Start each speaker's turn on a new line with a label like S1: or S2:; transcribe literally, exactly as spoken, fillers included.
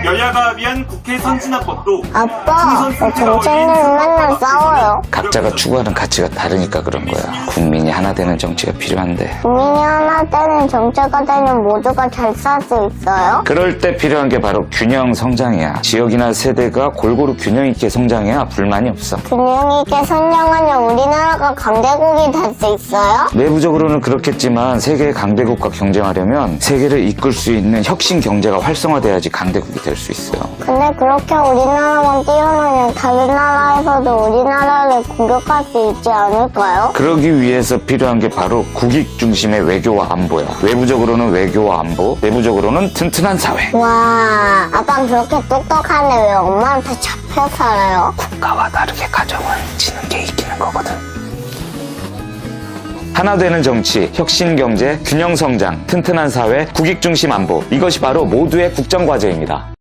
S1: 여야가 합의한 국회 선진화법도
S2: 아빠, 왜 정치인들은 맨날 싸워요?
S3: 각자가 추구하는 가치가 다르니까 그런 거야. 국민이 하나 되는 정치가 필요한데
S2: 국민이 하나 되는 정체가 되면 모두가 잘 살 수 있어요?
S3: 그럴 때 필요한 게 바로 균형 성장이야. 지역이나 세대가 골고루 균형 있게 성장해야 불만이 없어.
S2: 균형 있게 성장하면 우리나라가 강대국이 될 수 있어요?
S3: 내부적으로는 그렇겠지만 세계의 강대국과 경쟁하려면 세계를 이끌 수 있는 혁신 경제가 활성화돼야지 강대국이 될 수 있어요.
S2: 근데 그렇게 우리나라만 뛰어나면 다른 나라에서도 우리나라를 공격할 수 있지 않을까요?
S3: 그러기 위해서 필요한 게 바로 국익 중심의 외교와 안보야. 외부적으로는 외교와 안보, 내부적으로는 튼튼한 사회.
S2: 와, 아빠는 그렇게 똑똑한데 왜 엄마한테 잡혀 살아요?
S3: 국가와 다르게 가정을 지는 게 이기는 거거든. 하나 되는 정치, 혁신 경제, 균형 성장, 튼튼한 사회, 국익 중심 안보. 이것이 바로 모두의 국정 과제입니다.